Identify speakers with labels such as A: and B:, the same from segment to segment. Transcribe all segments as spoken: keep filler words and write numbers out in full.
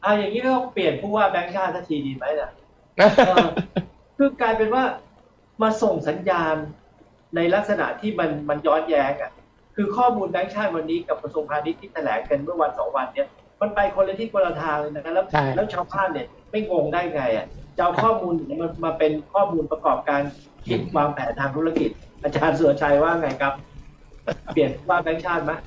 A: อ่าอย่างนี้ก็ต้องเปลี่ยนผู้ว่าแบงก์ชาติทันทีดีไหมเนี่ยเออคือกลายเป็นว่ามาส่งสัญญาณในลักษณะที่มันมันย้อนแย้งอ่ะคือข้อมูลแบงก์ชาติวันนี้กับกระทรวงพาณิชย์ที่แถลงกันเมื่อวันสองวันเนี้ยมันไปคนละที่คนละทางเลยนะแล้ว
B: ใช่
A: แล้วชาวบ้านเนี่ยไม่งงได้ไงอ่ะจะเอาข้อมูลมามาเป็นข้อมูลประกอบการคิดวางแผนทางธุรกิจ อาจารย์สุรชัยว่าไงครับ เปลี่ยนผู้ว่าแบงก์ชาติไหม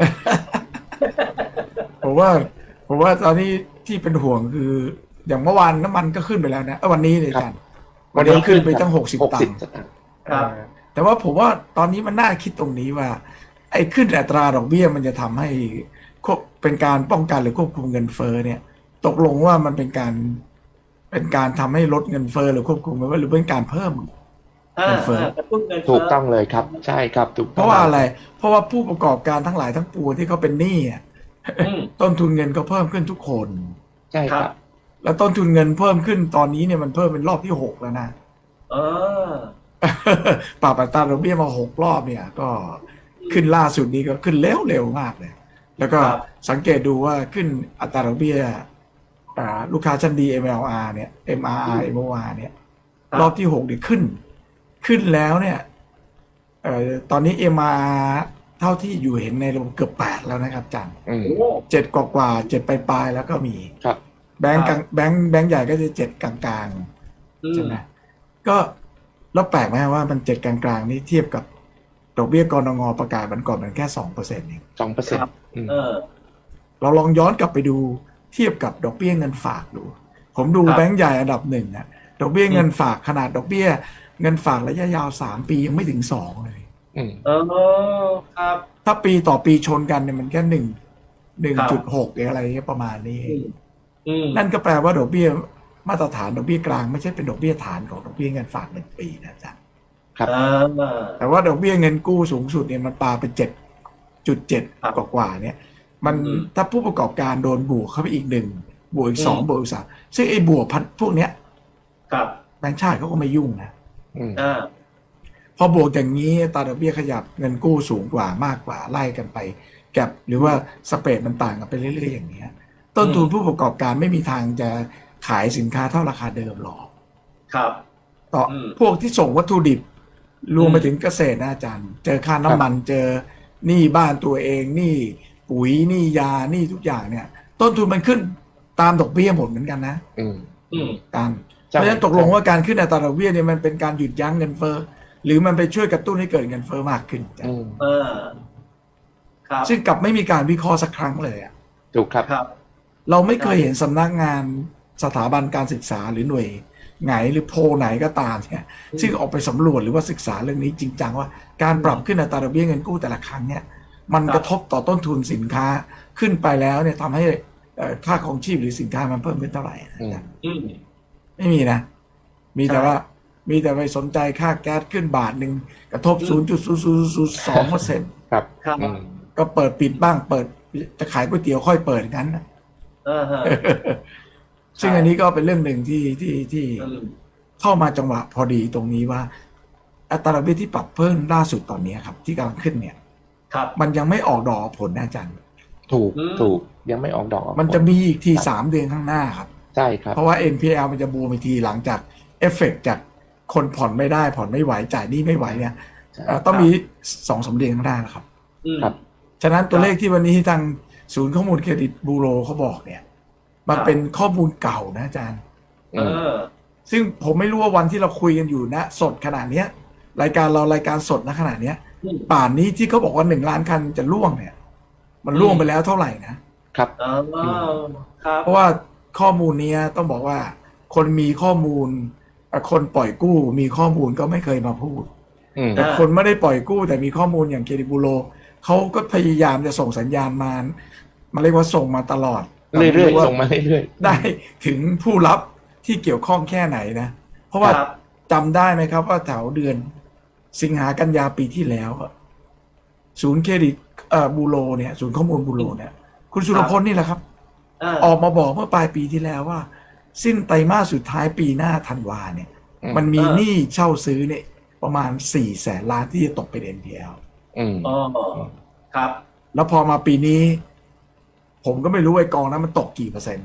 C: ผมว่าผมว่าตอนนี้ที่เป็นห่วงคืออย่างเมื่อวานน้ำมันก็ขึ้นไปแล้วนะเอ้อวันนี้เลยอาจารย์วันนี้ขึ้นไปตั้งหกสิบ
B: หก
C: ตั
B: สิ
C: ง
B: บ
C: ค์
B: สตางค์
A: ครับ
C: เออแต่ว่าผมว่าตอนนี้มันน่าคิดตรงนี้ว่า ไอ้ขึ้นอัตราดอกเบี้ยมันจะทำให้ควบเป็นการป้องกันหรือควบคุมเงินเฟ้อเนี่ย ตกลงว่ามันเป็นการเป็นการทำให้ลดเงินเฟ้อหรือควบคุมเงินเฟ้อหรือเป็นการเพิ่ม
A: อ่า
C: เงินเฟ้อ
A: อ่ากระตุ้นเงิน
B: ถู
A: เฟ้
B: ก
A: อ
B: ต้องเลยครับ ใช่ครับถูก
C: เพราะว่าอะไร เพราะว่าผู้ประกอบการทั้งหลายทั้งปวงที่เขาเป็นหนี้อะ
A: อืม
C: ต้นทุนเงินก็เพิ่มขึ้นทุกคน
B: ใช่ครับ
C: แล้วต้นทุนเงินเพิ่มขึ้นตอนนี้เนี่ยมันเพิ่มเป็นรอบที่หกแล้วนะ
A: เออ
C: ปรับอัตราดอกเบี้ยมาหกรอบเนี่ย ก็ขึ้นล่าสุดนี้ก็ขึ้นเร็วเร็วมากเลย แล้วก็
A: ครับ
C: สังเกตดูว่าขึ้นอัตราดอกเบี้ยอ่าลูกค้าชั้นดี เอ็ม แอล อาร์ เนี่ย เอ็ม อาร์ อาร์ เอ็ม โอ อาร์ เนี่ย
A: ครับ
C: รอบที่หกเนี่ยขึ้น ขึ้นแล้วเนี่ยเอ่อตอนนี้ เอ็ม อาร์ อาร์ เท่าที่อยู่เห็นในระบบเกือบแปดแล้วนะครับอาจัน
B: อืม
A: โอ้
C: เจ็ดกว่ากว่าเจ็ดปลายๆแล้วก็มี
B: ครับ
C: แบงก์
A: ค
C: ก
A: รั
C: ลา
A: บ
C: งแบงก์แบงก์ใหญ่ก็จะเจ็ดกลางๆ
A: อื
C: ใช่
A: ม
C: ไหมก็แล้วแปลกไหมว่ามันเจ็ดกลางๆนี่เทียบกับดอกเบี้ยกนงประกาศมันก่อนมันแค่สองเปอร์เซ็นต์เอง
B: สองเปอร์เซ็น
A: ครั
B: ต์
A: บ เออ
C: เราลองย้อนกลับไปดูเทียบกับดอกเบี้ยเงินฝากดู ผมดู
A: ครับ
C: แบงก์ใหญ่อันดับหนึ่งอะดอกเบี้ยเงินฝากขนาดดอกเบี้ยเงินฝากระยะยาวสามปียังไม่ถึงสองเลย
B: อืม
A: เออ ครับ
C: ถ้าปีต่อปีชนกันเนี่ยมันแค่หนึ่งหนึ่ง
A: ครับ
C: จุดหกหรืออะไรเงี้ยประมาณนี้เอ
A: อื
C: ง
A: มอืม
C: นั่นก็แปลว่าดอกเบี้ยมาตรฐานดอกเบี้ยกลางไม่ใช่เป็นดอกเบี้ยฐานของดอกเบี้ยเงินฝากหนึ่งปีนะจ๊ะ
B: ครับ
A: อ่า
C: แต่ว่าดอกเบี้ยเงินกู้สูงสุดเนี่ยมันปาไปเจ็ดจุดเจ็ด
A: ครับ
C: กว่าๆเนี่ย มัน
A: อืม
C: ถ้าผู้ประกอบการโดนบวกเข้าไปอีกหนึ่งบวกอีกสอง
A: อืม
C: บวกอีกสามซึ่งไอ้บวกพันพวกเนี้ย
A: ครับ
C: แบงก์ชาติเขาก็ไม่ยุ่งนะ
B: อืม
A: อ่า
C: พอบวกอย่างนี้อัตราดอกเบี้ยขยับเงินกู้สูงกว่ามากกว่าไล่กันไปแก็บหรือว่าสเปรดมันต่างกันไปเรื่อยๆอย่างเนี้ยต้นทุนผู้ประกอบการไม่มีทางจะขายสินค้าเท่าราคาเดิมหรอก
A: ครับ
C: ต่อ
A: อืม
C: พวกที่ส่งวัตถุดิบ รวมไป
A: อืม
C: ถึงเกษตรนะอาจารย์ เจอค่าน้ำมันเจอหนี้บ้านตัวเองหนี้ปุ๋ยหนี้ยาหนี้ทุกอย่างเนี่ย ต้นทุนมันขึ้นตามดอกเบี้ยหมดเหมือนกันนะ
B: อืม
A: อืม
C: การเพ
B: ใช่
C: ราะฉะนั้นตกลงว่าการขึ้นอัตราดอกเบี้ยเนี่ยมันเป็นการหยุดยั้งเงินเฟ้อหรือมันไปช่วยกระตุ้นให้เกิดเงินเฟ้อมากขึ้นอาจาร
B: อื
C: ย์
B: ม
A: เออ ครับ
C: ซึ่งกลับไม่มีการวิเคราะห์สักครั้งเลยอะ
B: ถูกครับ
A: ครับ
C: เราไม่เคยเห็นสำนักงานสถาบันการศึกษาหรือหน่วยไหนหรือโพลไหนก็ตามเนี่ย
A: อืม
C: ซึ่งออกไปสำรวจหรือว่าศึกษาเรื่องนี้จริงจังว่าการปรับขึ้นอัตราดอกเบี้ยเงินกู้แต่ละครั้งเนี่ยมัน
A: ครับ
C: กระทบต่อต้นทุนสินค้าขึ้นไปแล้วเนี่ยทำให้เอ่อค่าของชีพหรือสินค้ามันเพิ่มขึ้นเท่าไหร่นะ
B: อืม
A: อืม
C: ไม่มีนะ มีแต่
A: ใช่
C: ว่ามีแต่ไปสนใจค่าแก๊สขึ้นบาทหนึ่งกระทบ
A: อืม
C: ศูนย์จุดศูนย์ศูนย์ศูนย์สองเปอร์เซ็นต์
B: ครับ
A: ครับ
B: อืม
C: ก็เปิดปิดบ้างเปิดจะขายก๋วยเตี๋ยวค่อยเปิดงั้นนะ
A: เออฮะ
C: ซึ่งอันนี้ก็เป็นเรื่องหนึ่งที่ที่ที่
A: อืม
C: เข้ามาจังหวะพอดีตรงนี้ว่า อัตราดอกเบี้ยที่ปรับเพิ่มล่าสุดตอนนี้ครับ ที่กำลังขึ้นเนี่ย
A: ครับ
C: มันยังไม่ออกดอกออกผลนะอาจารย์
B: ถูก
A: อืม
B: ถูกยังไม่ออกดอกออกผล
C: มันจะมีอีกทีสามเดือนข้างหน้าครับ
B: ใช่ครับ
C: เพราะว่า เอ็น พี แอล มันจะบูมอีกทีหลังจากเอฟเฟกต์จากคนผ่อนไม่ได้ผ่อนไม่ไหวจ่ายหนี้ไม่ไหวเนี่ย
B: ใช่
C: เอ่อต้องมีสองสามเดือนข้างหน้านะครับ
A: อืม
B: ครับ
C: ฉะนั้นตัวเลขที่วันนี้ทางศูนย์ข้อมูลเครดิตบูโรเขาบอกเนี่ย มัน
A: ครับ
C: เป็นข้อมูลเก่านะอาจารย์
A: เออ
C: ซึ่งผมไม่รู้ว่าวันที่เราคุยกันอยู่นะสดขนาดเนี้ย รายการเรารายการสดนะขนาดเนี้ย
A: อืม
C: ป่านนี้ที่เขาบอกว่าหนึ่งล้านคันจะล่วงเนี่ย มันล่วง
A: อืม
C: ไปแล้วเท่าไหร่นะ
B: ครับ
A: อ๋อครับ
C: เพราะว่าข้อมูลเนี้ยต้องบอกว่า คนมีข้อมูลเอ่อคนปล่อยกู้มีข้อมูลก็ไม่เคยมาพูด
B: อืม
C: แต่คนไม่ได้ปล่อยกู้แต่มีข้อมูลอย่างเครดิตบูโรเขาก็พยายามจะส่งสัญญาณมามันเรียกว่าส่งมาตลอด
B: เรื่อย
C: แต่ไม่
B: ๆ
C: ว่า
B: ส่งมาเรื่อยๆ
C: ได้ถึงผู้รับที่เกี่ยวข้องแค่ไหนนะ เพราะว่า
A: ครับ
C: จำได้ไหมครับว่าแถวเดือนสิงหากันยาปีที่แล้วอะศูนย์เครดิตเอ่อบูโรเนี่ยศูนย์ข้อมูลบูโรเนี่ย คุณสุรพลนี่แหละครับ
A: อ่า
C: ออกมาบอกเมื่อปลายปีที่แล้วว่า สิ้นไตรมาสสุดท้ายปีหน้าธันวาเนี่ย
B: อืม
C: มันมี
A: เออ
C: หนี้เช่าซื้อเนี่ยประมาณสี่แสนล้านที่จะตกเป็น เอ็น พี แอล
B: อืม
A: อ๋อครับ
C: แล้วพอมาปีนี้ ผมก็ไม่รู้ไอ้กองนั้นมันตกกี่เปอร์เซ็นต์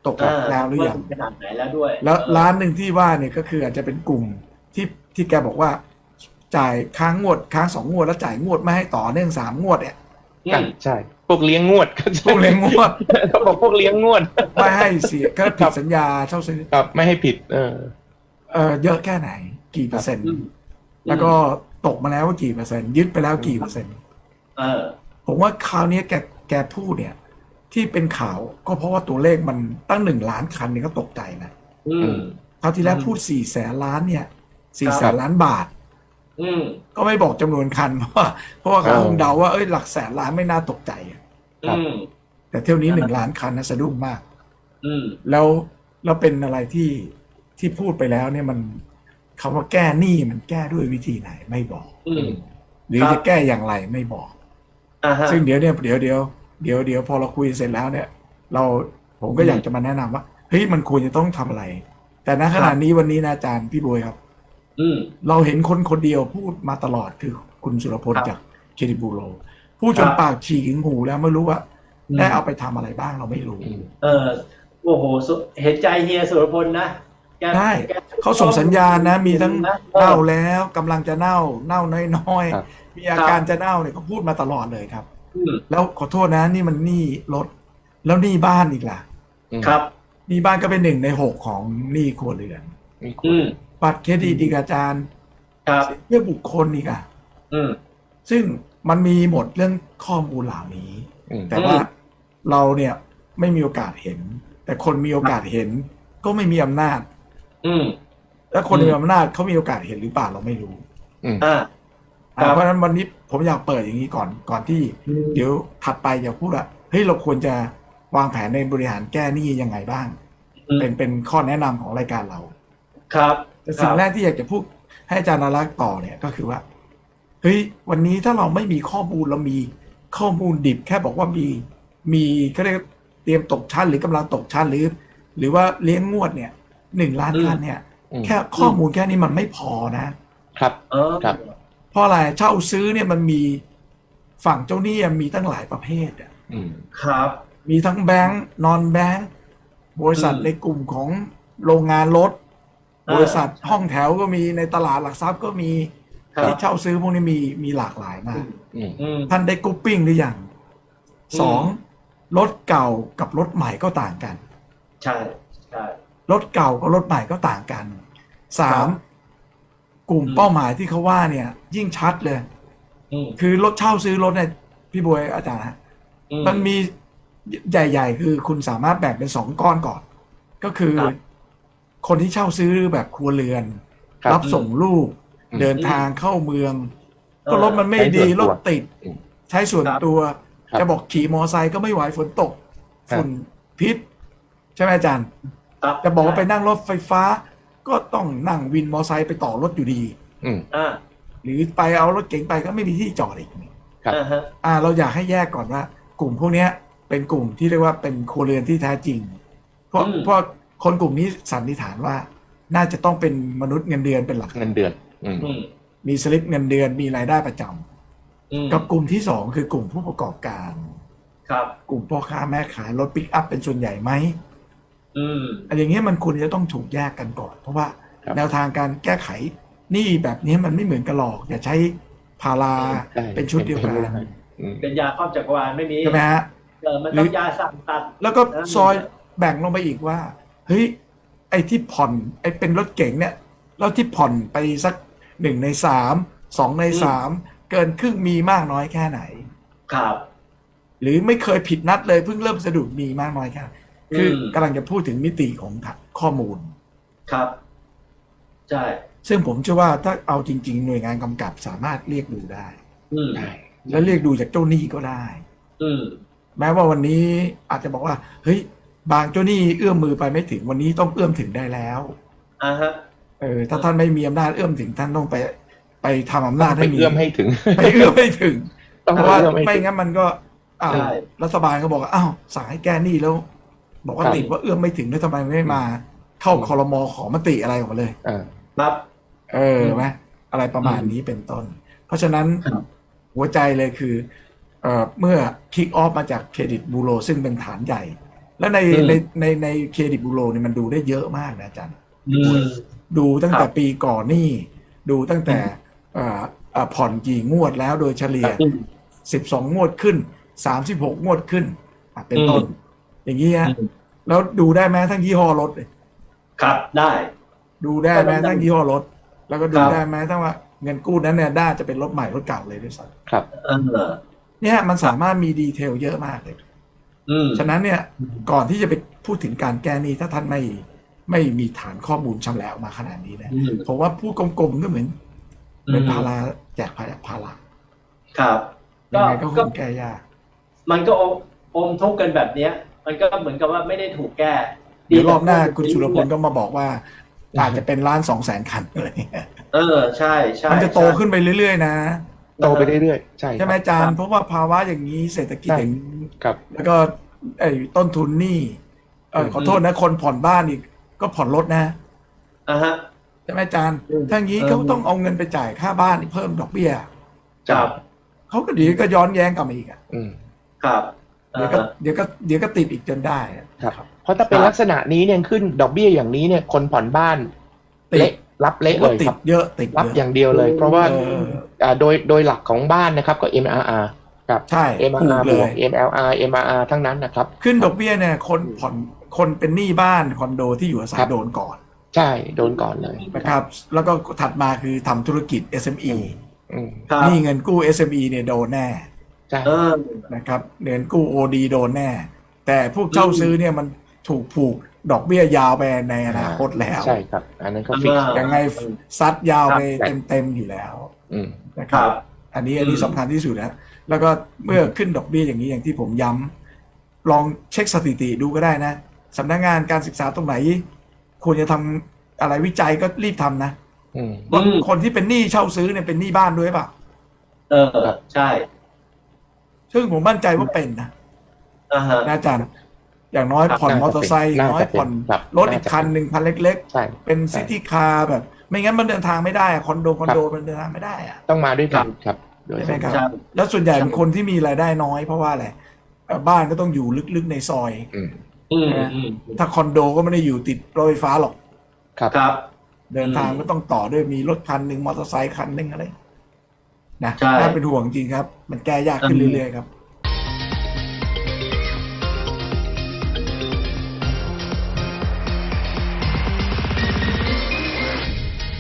C: ตกหลักแล้วหรือยัง
A: ขนาดไหนแล้วด้วย
C: แล้วร้านหนึ่งที่ว่าเนี่ยก็คืออาจจะเป็นกลุ่มที่ที่แกบอกว่าจ่ายค้างงวดค้างสองงวดแล้วจ่ายงวดไม่ให้ต่อเนื่องสามงวดเนี่ย
B: อ่ะใช่พวกเลี้ยงงวด
C: พวกเลี้ยงงวด
B: เขาบอกพวกเลี้ยงงวด
C: ไม่ให้เสียก็ผิดสัญญาเช่าซื้อ
B: ครับไม่ให้ผิด เออ
C: เออเยอะแค่ไหนกี่เปอร์เซ็นต์
A: อืม
C: แล้วก็ตกมาแล้วว่ากี่เปอร์เซ็นต์ยึดไปแล้วกี่เปอร์เซ็นต์
A: เออ
C: ผมว่าคราวนี้แกแกพูดเนี่ย ที่เป็นข่าวก็เพราะว่าตัวเลขมันตั้งหนึ่งล้านคันเนี่ยก็ตกใจนะ
A: อืม
C: คราวที่แล้วพูดสี่แสนล้านเนี่ยสี่แสนล้านบาท
A: อืม
C: ก็ไม่บอกจำนวนคันเพราะว่าเพราะว่าเขาคงเดาว่าเอ้ยหลักแสนล้านไม่น่าตกใจอะ
B: ครับ
A: อืม
C: แต่เที่ยวนี้หนึ่งล้านคันนะสะดุ้งมาก
A: อืม
C: แล้วแล้วเป็นอะไรที่ที่พูดไปแล้วเนี่ยมันคำว่าแก้หนี้มันแก้ด้วยวิธีไหนไม่บอก
A: อืม
C: หรือ
A: ครับ
C: จะแก้อย่างไรไม่บอก
A: อ่าฮะ
C: ซึ่งเดี๋ยวเนี่ยเดี๋ยวเดี๋ยวเดี๋ยวเดี๋ยวพอเราคุยเสร็จแล้วเนี่ย เราผมก็อยากจะมาแนะนำว่าเฮ้ยมันควรจะต้องทำอะไร แต่ณขณะนี้วันนี้นะอาจารย์พี่บวยครับ
A: อืม
C: เราเห็นคนคนเดียวพูดมาตลอดคือคุณสุรพล
A: ครับ
C: จากเครดิตบูโรพูดจน
A: ครับ
C: ปากฉีกถึงหูแล้วไม่รู้ว่า
A: อืม
C: ได้เอาไปทำอะไรบ้างเราไม่รู้
B: อืม
A: เออโอ้โหสุเห็นใจเฮียสุรพลนะแก
C: ใช่
A: แก
C: เขาส่งสัญญาณนะมีทั้ง
A: นะเออ
C: เน่าแล้วกำลังจะเน่าเน่าน้อย
B: ครับ
C: ๆมีอาการจะเน่าเนี่ยเขาพูดมาตลอดเลยครับ
A: อืม
C: แล้วขอโทษนะนี่มันหนี้รถแล้วหนี้บ้านอีกล่ะ
A: ครับ
C: หนี้บ้านก็เป็นหนึ่งในหกของหนี้ครัวเรือน
B: มีค
A: อื
B: น
A: ม
C: บัตรเครดิตอีกอาจารย์
A: ครับ
C: เรื่องบุคคลอีกอ่ะ
A: อืม
C: ซึ่งมันมีหมดเรื่องข้อมูลเหล่านี้
B: อืม
C: แต่ว่าเราเนี่ยไม่มีโอกาสเห็น แต่คนมีโอกาสเห็น ก็ไม่มีอำนาจ
A: อืม
C: และคน
A: อืม
C: มีอำนาจเขามีโอกาสเห็นหรือเปล่าเราไม่รู้
B: อืม
A: อ่า
C: อ่า
A: ครับ
C: เพราะฉะนั้นวันนี้ผมอยากเปิดอย่างนี้ก่อนก่อนที่
A: อืม
C: เดี๋ยวถัดไปอย่าพูดว่าเฮ้ยเราควรจะวางแผนในบริหารแก้หนี้ยังไงบ้าง
A: อืม
C: เป็นเป็นข้อแนะนำของรายการเรา
A: ครับ
C: แต่สิ่
A: ค
C: ง
A: บ
C: แรกที่อยากจะพูดให้อาจารย์นรักษ์ต่อเนี่ยก็คือว่าเฮ้ยวันนี้ถ้าเราไม่มีข้อมูลเรามีข้อมูลดิบแค่บอกว่ามีมีเขาเรียกเตรียมตกชั้นหรือกำลังตกชั้นหรือ หรือว่าเลี้ยงงวดเนี่ยหนึ่งล้าน
A: อืม
C: คันเนี่ย
B: อืม
C: แค่ข้อมูลแค่นี้มันไม่พอนะ
B: ครับ
A: เออ
B: ครับ
C: เพราะอะไรเช่าซื้อเนี่ยมันมีฝั่งเจ้าหนี้มีตั้งหลายประเภทอะ
B: อืม
A: ครับ
C: มีทั้งแบงก์นอนแบงก์บริษัท
A: อืม
C: ในกลุ่มของโรงงานรถ
A: เออบ
C: ริษัทห้องแถวก็มีในตลาดหลักทรัพย์ก็มี
A: ครับ
C: ที่เช่าซื้อพวกนี้มีมีหลากหลายมาก
B: อืม
A: อืม
C: ท่านได้กรุ๊ปปิ้งหรือยัง
A: อืม
C: สองรถเก่ากับรถใหม่ก็ต่างกัน
A: ใช่ใช่
C: รถเก่ากับรถใหม่ก็ต่างกันสาม
A: ครับ
C: กลุ่ม
A: อืม
C: เป้าหมายที่เขาว่าเนี่ย ยิ่งชัดเลย
A: อืม
C: คือรถเช่าซื้อรถเนี่ยพี่บวยอาจารย์ฮะ
A: อื
C: มันมีใหญ่ ๆ คือคุณสามารถแบ่งเป็นสองก้อนก่อน ก็คือ
A: ครับ
C: คนที่เช่าซื้อแบบครัวเรือน
B: ครับ
C: รับส่งลูก
B: อืม
C: เดินทางเข้าเมือง
A: เออ
C: ก็รถมันไม่ดี
B: ใช้ส่วนตัว
C: รถติด
B: อืม
C: ใช้ส่วน
A: ครับ
C: ตัว
B: ครับ
C: จะบอกขี่มอไซค์ก็ไม่ไหวฝนตก
B: ครับ
C: ฝุ่นพิษ ใช่ไหมอาจารย์
A: ครับ
C: จะบอกว่าไปนั่งรถไฟฟ้า ก็ต้องนั่งวินมอไซค์ไปต่อรถอยู่ดี
B: อืม
A: อ่า
C: หรือไปเอารถเก๋งไปก็ไม่มีที่จอดอีก
B: ครับ
A: อ่าฮะ
C: อ่าเราอยากให้แยกก่อนว่า กลุ่มพวกเนี้ยเป็นกลุ่มที่เรียกว่าเป็นครัวเรือนที่แท้จริง เพราะ
A: อืม
C: เพราะคนกลุ่มนี้สันนิษฐานว่า น่าจะต้องเป็นมนุษย์เงินเดือนเป็นหลัก
B: เงินเดือน อืม
A: อืม
C: มีสลิปเงินเดือนมีรายได้ประจำ
A: อืม
C: กับกลุ่มที่สองคือกลุ่มผู้ประกอบการ
A: ครับ
C: กลุ่มพ่อค้าแม่ขายรถปิกอัพเป็นส่วนใหญ่ไหม
A: อืม
C: อันอย่างเงี้ยมันควรจะต้องถูกแยกกันก่อน เพราะว่า
B: ครับ
C: แนวทางการแก้ไขหนี้แบบนี้มันไม่เหมือนกันหรอกอย่าใช้พารา
B: ใช่
C: เป็นชุดเดียวกัน
B: ไม่ได้อืม
A: เป็นยาครอบจักรวาลไม่มี
C: ใช่ไหมฮะ
A: เออมัน
C: หรื
A: ต้อ
C: อ
A: งยาสั่งตัด
C: แล้วก็
A: เออ
C: ซอยแบ่งลงไปอีกว่าเฮ้ยไอ้ที่ผ่อนไอ้เป็นรถเก๋งเนี่ยแล้วที่ผ่อนไปสักหนึ่งในสามสองในสามเกินครึ่งมีมากน้อยแค่ไหน
A: ครับ
C: หรือไม่เคยผิดนัดเลยเพิ่งเริ่มสะดุดมีมากน้อยแค่ไหนคืออ
A: ม
C: กำลังจะพูดถึงมิติของข้อมูล
A: ครับ ใช่
C: ซึ่งผมเชื่อว่าถ้าเอาจริง ๆ หน่วยงานกำกับสามารถเรียกดูได้
A: อืม
B: ใช่
C: แล้วเรียกดูจากเจ้าหนี้ก็ได้
A: อืม
C: แม้ว่าวันนี้อาจจะบอกว่าเฮ้ยบางเจ้าหนี้เอื้อมมือไปไม่ถึงวันนี้ต้องเอื้อมถึงได้แล้ว
A: อ่าฮะ
C: เออถ้าท่านไม่มีอำนาจเอื้อมถึงท่านต้องไปไปทำอำนาจ
B: ไป
C: ให้มี
B: เอื้อมให้ถึง
C: ไปเอื้อมให้ถึง
B: ต้อง
C: เพราะว่า
B: เอื้อมให้
C: ไม่
B: ถึง
C: งั้นมันก็อ้าว
A: ใช่
C: รัฐบาลก็บอกว่าอ้าวสั่งให้แก้หนี้แล้ว บอกว่า
B: ครับ
C: ติดว่าเอื้อมไม่ถึงแล้วทำไมไม่มาเข้าคอรมอขอมติอะไรออกมาเลย
B: อ่า
A: ครับ
C: เออไหมอะไรประมาณนี้เป็นต้น เพราะฉะนั้น
A: ครับ
C: หัวใจเลยคือเอ่อเมื่อคิกออฟมาจากเครดิตบูโรซึ่งเป็นฐานใหญ่แล้วใน
A: อืม
C: ในในในเครดิตบูโรเนี่ยมันดูได้เยอะมากนะอาจารย์
A: อืม
C: ดูตั้ง
A: ค
C: แต่
A: รับ
C: ปีก่อนหนี้ดูตั้งแต่เอ่อเอ่อผ่อนกี่งวดแล้วโดยเฉลี่ย
A: อืม
C: สิบสองงวดขึ้นสามสิบหกงวดขึ้นอ่ะเป็นต้น
A: อืม
C: อย่างนี้ฮะ
A: อืม
C: แล้วดูได้แม้ทั้งยี่ห้อรถเลย
A: ครับได้
C: ดูได้แม้ทั้งยี่ห้อรถ แล้วก็ดู
A: ครับ
C: ได้แม้ทั้งว่าเงินกู้นั้นเนี่ยน่าจะเป็นรถใหม่รถเก่าเลยด้วยซ้
B: ครับ
A: เออ
C: ำเนี่ยมันสามารถมีดีเทลเยอะมากเลย
A: อืม
C: ฉะนั้นเนี่ย
A: อืม
C: ก่อนที่จะไปพูดถึงการแก้หนี้ถ้าท่านไม่ไม่มีฐานข้อมูลชำแหละออกมาขนาดนี้นะ
A: อืม
C: ผมว่าพูดกลมๆก็เหมือนเหมือน
A: อืม
C: พาราแจกภาระภาระ
A: ครับ
C: ยังไงก็ค
A: ก็
C: งแก้ยาก
A: มันก็อมอมทุกข์กันแบบเนี้ย มันก็เหมือนกับว่าไม่ได้ถูกแก้
C: เดี๋ยวรอบหน้าคุณ
A: ดี
C: สุรพล
A: แต่
C: ก็มาบอกว่า อาจจะเป็นล้านสองแสนคันอะไรเงี้ย
A: เออใช่ใช่
C: มันจะโต
A: ใช่
C: ขึ้นไปเรื่อยๆนะ
B: โตไปเรื่อยๆใช่ค
C: ใช่
B: รับ
C: ไหมอาจารย์เพราะว่าภาวะอย่างนี้เศรษฐกิจ
B: ใช่
C: อย่างนี้
B: ครับ
C: แล้วก็ไอ้ต้นทุนหนี้เออ
B: อืม
C: ขอโทษนะคนผ่อนบ้านอีกก็ผ่อนรถนะ
A: อ่าฮะ
C: ใช่ไหมอาจารย์
A: อืม
C: ถ้างี้
A: เออ
C: เขาต้องเอาเงินไปจ่ายค่าบ้านอีกเพิ่มดอกเบี้ย
A: ครับ
C: เขาก็เดียวก็ย้อนแย้งกลับมาอีกอะ
B: อืม
A: ครับ
C: เดี๋ยวก็เดี๋ยวก็เดี๋ยวก็ติดอีกจนได้อะ
B: ครับ เพราะถ้าเป็น
A: ครับ
B: ลักษณะนี้เนี่ยขึ้นดอกเบี้ยอย่างนี้เนี่ยคนผ่อนบ้าน
C: ติด
B: เละรับเละ
C: ผม
B: เล
C: ว่าย ติ
B: ครั
C: ด
B: บ
C: เยอะติด
B: รับ
C: เยอะ
B: อย่างเดียวเลย เพราะว่า
C: เออ
B: อ่าโดยโดยหลักของบ้านนะครับก็ เอ็ม อาร์ อาร์ ครับ
C: ใช่
B: เอ็ม อาร์ อาร์
C: ถูก
B: บ
C: เล
B: วย ก เอ็ม แอล อาร์ เอ็ม อาร์ อาร์ ทั้งนั้นนะครับ
C: ขึ้นดอกเบี้ยเนี่ยคนผ่อนคนเป็นหนี้บ้านคอนโดที่อยู่อาศั
B: ครั
C: ย
B: บ
C: โดนก่อน
B: ใช่โดนก่อนเลย
C: นะครับ แล้วก็ถัดมาคือทำธุรกิจ เอส เอ็ม อี
B: อืม
A: ครับ
C: หนี้เงินกู้ เอส เอ็ม อี เนี่ยโดนแน่
B: ใช่
A: เออ
C: นะครับเงินกู้ โอ ดี โดนแน่ แต่พวกเช่าซื้อเนี่ยมันถูกผูกดอกเบี้ยยาวไปในอนาคตแล้ว
B: ใช่ครับ อันนั้นก็ฟิก
A: อ่า
C: ยังไงซัดยาวไป
B: ครับ
C: เต็มๆอยู่แล้ว
B: อืม
C: นะค
A: ครั
C: รับ
A: บ
C: อันนี้อันนี้
A: อืม
C: สำคัญที่สุดนะแล้วก็เมื่อขึ้นดอกเบี้ยอย่างนี้อย่างที่ผมย้ำลองเช็คสถิติดูก็ได้นะสำนักงานการศึกษาตรงไหนควรจะทำอะไรวิจัยก็รีบทำนะ
B: อืม
C: ว่า
A: อืม
C: คนที่เป็นหนี้เช่าซื้อเนี่ยเป็นหนี้บ้านด้วยเปล่ะ
A: เออใช่
C: ซึ่งผมมั่นใจว่าเป็นนะ
A: อ่าฮะ
C: นะอาจารย์อย่างน้อยผ่อนมอเตอร์ไซค์อย่างน้อยผ่อน
B: ครับ
C: รถอีกคันหนึ่งคันเล็ก
B: ใช่
C: ๆ เป็นซิตี้คาร์แบบ ไม่งั้นมันเดินทางไม่ได้อะคอนโดคอนโดมันเดินทางไม่ได้อะ
B: ต้องมาด้วยกันครับ โดย
C: ใช่ไหมครับ
A: ใช่
C: แล้วส่วนใหญ่เป็นคนที่มีรายได้น้อยเพราะว่าอะไรเอ่อบ้านก็ต้องอยู่ลึกๆในซอย
B: อืม
A: อืมอืม
C: ถ้าคอนโดก็ไม่ได้อยู่ติดรถไฟฟ้าหรอก
B: ครับ
A: ครับ
C: เดินทางก็ต้องต่อด้วยมีรถคันหนึ่งมอเตอร์ไซค์คันหนึ่งอะไรนะ
A: ใช่
C: น่าเป็นห่วงจริงครับ มันแก้ยากขึ้นเรื่อยๆครับ